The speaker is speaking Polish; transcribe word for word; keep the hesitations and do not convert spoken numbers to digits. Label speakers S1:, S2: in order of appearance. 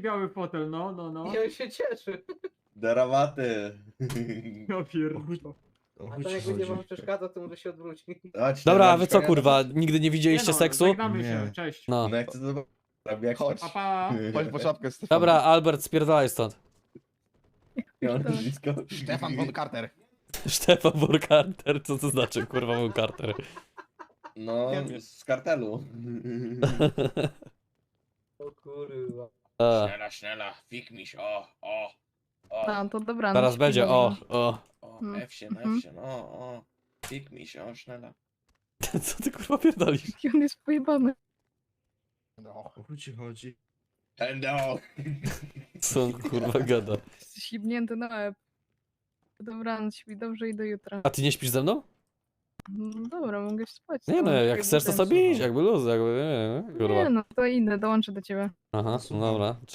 S1: biały fotel, no, no, no.
S2: I on się cieszy.
S3: Darawaty.
S1: Ja pierdolę.
S4: O
S2: A
S4: chuj
S2: to
S4: ci
S2: jak będzie
S4: chodzi.
S2: wam przeszkadzał, to może się odwróci.
S3: Chodź,
S5: Dobra, a
S3: Darawaty,
S5: wy co
S3: ja-
S5: kurwa, nigdy nie widzieliście
S1: Nie no,
S5: seksu?
S1: Żegnamy się,
S4: Nie.
S1: cześć.
S5: No.
S3: No jak chcę zobaczyć. Jak
S4: Chodź.
S1: Pa, pa.
S4: Chodź po czapkę, Stefan.
S5: Dobra, Albert, spierdalaj stąd.
S3: Ja mam blisko.
S4: Stefan von Carter.
S5: Stefan von Carter, co to znaczy kurwa von Carter?
S3: No, z kartelu.
S2: O kurwa.
S5: E,
S3: Schnella, schnella, fik miś, o, o, o,
S6: No to dobra.
S5: Zaraz
S6: no
S5: będzie, o,
S6: śpi,
S5: o.
S3: o,
S6: Mm,
S3: F się,
S6: mhm.
S3: F się, o, o, fik miś, o, schnella.
S5: Co ty kurwa pierdolisz?
S6: dobra. On jest pojebany.
S4: No. O chuj ci chodzi.
S3: Hello.
S5: Co on kurwa gada?
S6: Jesteś ślibnięty na łeb. Dobranoc, śpi dobrze i do jutra.
S5: A ty nie śpisz ze mną?
S6: No dobra, mogę spać.
S5: Nie no, jak chcesz to sobie iść, jakby luz, jakby, nie, nie, kurwa.
S6: Nie no, to idę, dołączę do ciebie.
S5: Aha, no dobra.